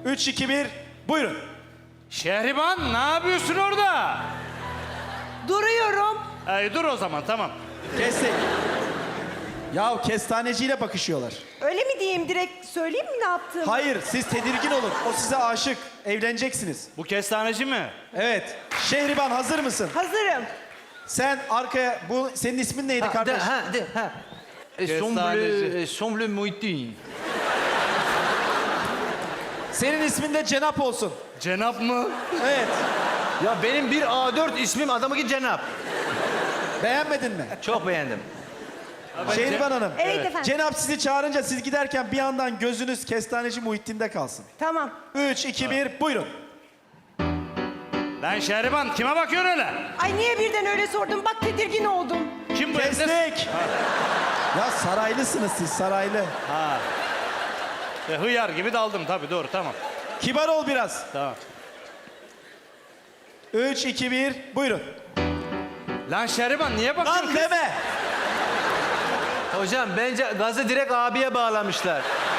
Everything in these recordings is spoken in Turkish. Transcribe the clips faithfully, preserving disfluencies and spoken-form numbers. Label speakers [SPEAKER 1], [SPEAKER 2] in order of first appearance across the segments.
[SPEAKER 1] Üç, iki, bir, buyurun.
[SPEAKER 2] Şehriban ne yapıyorsun orada?
[SPEAKER 3] Duruyorum.
[SPEAKER 2] Ay, dur o zaman tamam.
[SPEAKER 1] Kestik. Yahu kestaneciyle bakışıyorlar.
[SPEAKER 3] Öyle mi diyeyim, direkt söyleyeyim mi ne yaptığımı?
[SPEAKER 1] Hayır, siz tedirgin olun. O size aşık. Evleneceksiniz.
[SPEAKER 2] Bu kestaneci mi?
[SPEAKER 1] Evet. Şehriban hazır mısın?
[SPEAKER 3] Hazırım.
[SPEAKER 1] Sen arkaya, bu senin ismin neydi kardeş?
[SPEAKER 4] Ha, de, ha.
[SPEAKER 2] Kestaneci.
[SPEAKER 4] Semble, semble muitin.
[SPEAKER 1] Senin ismin de Cenap olsun.
[SPEAKER 2] Cenap mı?
[SPEAKER 1] Evet.
[SPEAKER 4] Ya benim bir A dört ismim, adamınki Cenap.
[SPEAKER 1] Beğenmedin mi?
[SPEAKER 4] Çok beğendim.
[SPEAKER 1] Şehriban Hanım.
[SPEAKER 3] Evet, efendim.
[SPEAKER 1] Cenap sizi çağırınca siz giderken bir yandan gözünüz kestaneci Muhittin'de kalsın.
[SPEAKER 3] Tamam.
[SPEAKER 1] Üç, iki, bir, buyurun.
[SPEAKER 2] Lan Şehriban kime bakıyorsun öyle?
[SPEAKER 3] Ay niye birden öyle sordun? Bak tedirgin oldum.
[SPEAKER 2] Kim bu evde?
[SPEAKER 1] Kestik. Ya saraylısınız siz, saraylı.
[SPEAKER 2] Ha. E, hıyar gibi daldım tabii, doğru, tamam.
[SPEAKER 1] Kibar ol biraz.
[SPEAKER 2] Tamam.
[SPEAKER 1] Üç, iki, bir, buyurun.
[SPEAKER 2] Lan Şehriban niye bakıyorsun?
[SPEAKER 1] Lan deme.
[SPEAKER 4] Hocam bence gazı direkt abiye bağlamışlar.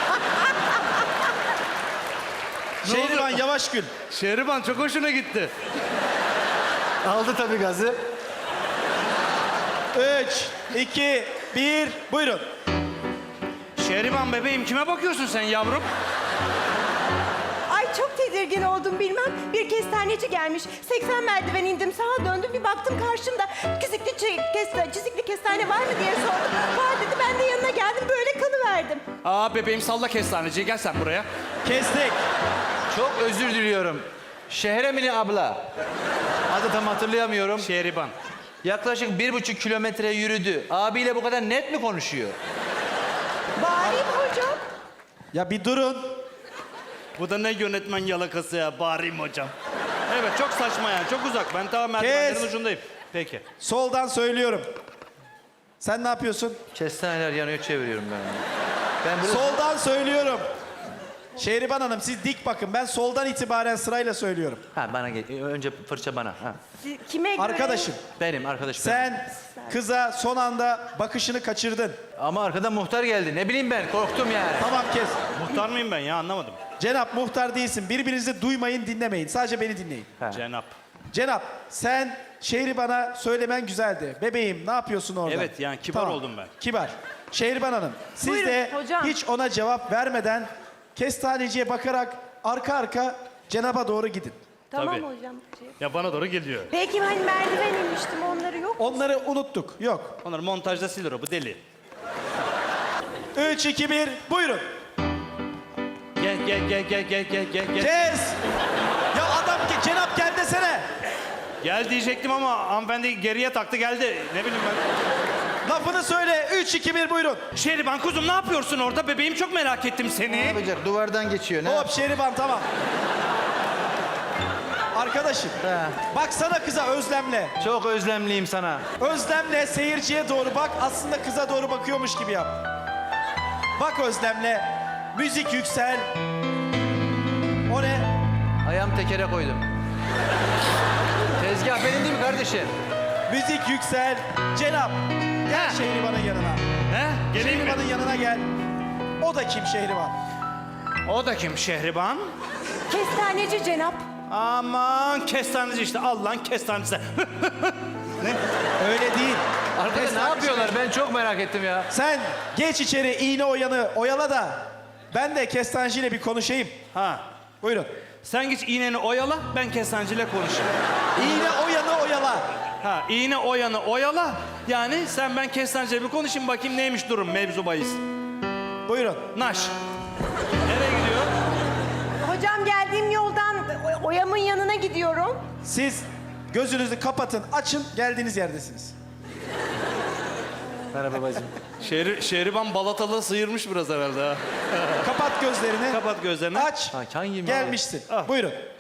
[SPEAKER 1] Şehriban yavaş gül.
[SPEAKER 2] Şehriban çok hoşuna gitti.
[SPEAKER 4] Aldı tabii gazı.
[SPEAKER 1] Üç, iki, bir, buyurun.
[SPEAKER 2] Şehriban bebeğim kime bakıyorsun sen yavrum?
[SPEAKER 3] Ay çok tedirgin oldum bilmem. Bir kestaneci gelmiş. seksen merdiven indim, sağa döndüm, bir baktım karşımda. Çizikli, çi- kesta, çizikli kestane var mı diye sordum. Var dedi, ben de yanına geldim, böyle kalıverdim.
[SPEAKER 2] Aa bebeğim salla kestaneciyi, gel sen buraya.
[SPEAKER 1] Kestik.
[SPEAKER 4] Çok özür diliyorum. Şehremini abla. Adı tam hatırlayamıyorum.
[SPEAKER 2] Şehriban.
[SPEAKER 4] Yaklaşık bir buçuk kilometre yürüdü. Abiyle bu kadar net mi konuşuyor?
[SPEAKER 3] Bağırayım hocam.
[SPEAKER 1] Ya bir durun.
[SPEAKER 2] Bu da ne yönetmen yalakası ya, bağırayım hocam. Evet çok saçma yani, çok uzak. Ben tamam merdivenlerin
[SPEAKER 1] Kes.
[SPEAKER 2] ucundayım. Peki.
[SPEAKER 1] Soldan söylüyorum. Sen ne yapıyorsun?
[SPEAKER 4] Kestaneler yanıyor, çeviriyorum ben. Ben burada...
[SPEAKER 1] Soldan söylüyorum. Şehriban Hanım siz dik bakın. Ben soldan itibaren sırayla söylüyorum.
[SPEAKER 4] Ha bana gel. Önce fırça bana. Ha.
[SPEAKER 3] Siz- Kime göre?
[SPEAKER 1] Arkadaşım
[SPEAKER 4] Benim arkadaşım. benim.
[SPEAKER 1] sen kıza son anda bakışını kaçırdın.
[SPEAKER 4] Ama arkadan muhtar geldi. Ne bileyim ben, korktum yani.
[SPEAKER 1] Tamam kes.
[SPEAKER 2] Muhtar mıyım ben ya, anlamadım.
[SPEAKER 1] Cenap muhtar değilsin. Birbirinizi duymayın, dinlemeyin. Sadece beni dinleyin.
[SPEAKER 4] Ha.
[SPEAKER 2] Cenap.
[SPEAKER 1] Cenap sen Şehriban'a söylemen güzeldi. Bebeğim ne yapıyorsun orada?
[SPEAKER 2] Evet, yani kibar oldum ben.
[SPEAKER 1] Kibar. Şehriban Hanım siz
[SPEAKER 3] Buyurun,
[SPEAKER 1] de
[SPEAKER 3] hocam.
[SPEAKER 1] hiç ona cevap vermeden kestaneciye bakarak arka arka Cenap'a doğru gidin.
[SPEAKER 3] Tamam
[SPEAKER 2] Tabii.
[SPEAKER 3] hocam.
[SPEAKER 2] Ya bana doğru geliyor.
[SPEAKER 3] Peki hani merdiven inmiştim, onları yok.
[SPEAKER 1] Onları unuttuk. Yok.
[SPEAKER 2] Onları montajda silir o, bu deli.
[SPEAKER 1] Üç, iki, bir, buyurun.
[SPEAKER 2] Gel gel gel gel gel gel gel gel.
[SPEAKER 1] Kes. Ya adam ki Cenap gel desene.
[SPEAKER 2] Gel diyecektim ama hanımefendi geriye taktı geldi. Ne bileyim ben.
[SPEAKER 1] Lafını söyle. Üç, iki, bir, buyurun.
[SPEAKER 2] Şehriban kuzum ne yapıyorsun orada? Bebeğim çok merak ettim
[SPEAKER 4] Ne
[SPEAKER 2] seni.
[SPEAKER 4] yapacak? Duvardan geçiyor. Ne?
[SPEAKER 1] Hop Şehriban tamam. Arkadaşım
[SPEAKER 4] Ha.
[SPEAKER 1] baksana kıza özlemle.
[SPEAKER 4] Çok özlemliyim sana.
[SPEAKER 1] Özlemle seyirciye doğru bak. Aslında kıza doğru bakıyormuş gibi yap. Bak özlemle. Müzik yüksel. O ne?
[SPEAKER 4] Ayağım tekere koydum. Tezgah benim değil mi kardeşim?
[SPEAKER 1] Müzik yüksel. Cenap. Gel Şehriban'ın yanına.
[SPEAKER 2] He? Geleyim mi?
[SPEAKER 1] Şehriban'ın yanına gel. O da kim Şehriban?
[SPEAKER 2] O da kim Şehriban?
[SPEAKER 3] Kestaneci Cenap.
[SPEAKER 2] Aman kestaneci işte. Al lan kestaneci.
[SPEAKER 1] Öyle değil.
[SPEAKER 4] Arkada ne
[SPEAKER 1] Kestaneci
[SPEAKER 4] yapıyorlar? Ben çok merak ettim ya.
[SPEAKER 1] Sen geç içeri iğne oyanı oyala da ben de kestaneciyle bir konuşayım.
[SPEAKER 2] Ha.
[SPEAKER 1] Buyurun.
[SPEAKER 2] Sen git iğneni oyala, ben kestancıyla konuşayım.
[SPEAKER 1] İğne oyanı oyala.
[SPEAKER 2] Ha, iğne oyanı oyala. Yani sen ben kestancıyla bir konuşayım bakayım neymiş durum, mevzu bahis.
[SPEAKER 1] Buyurun.
[SPEAKER 2] Naş. Nereye gidiyor?
[SPEAKER 3] Hocam geldiğim yoldan o- Oyam'ın yanına gidiyorum.
[SPEAKER 1] Siz gözünüzü kapatın, açın, geldiğiniz yerdesiniz.
[SPEAKER 4] Merhaba babacığım.
[SPEAKER 2] Şehri, Şehriban Balatalı sıyırmış biraz herhalde ha.
[SPEAKER 1] Kapat gözlerini.
[SPEAKER 2] Kapat gözlerini.
[SPEAKER 1] Aç.
[SPEAKER 4] Ha, hangi mi?
[SPEAKER 1] Gelmişsin.
[SPEAKER 2] Ah.
[SPEAKER 1] Buyurun.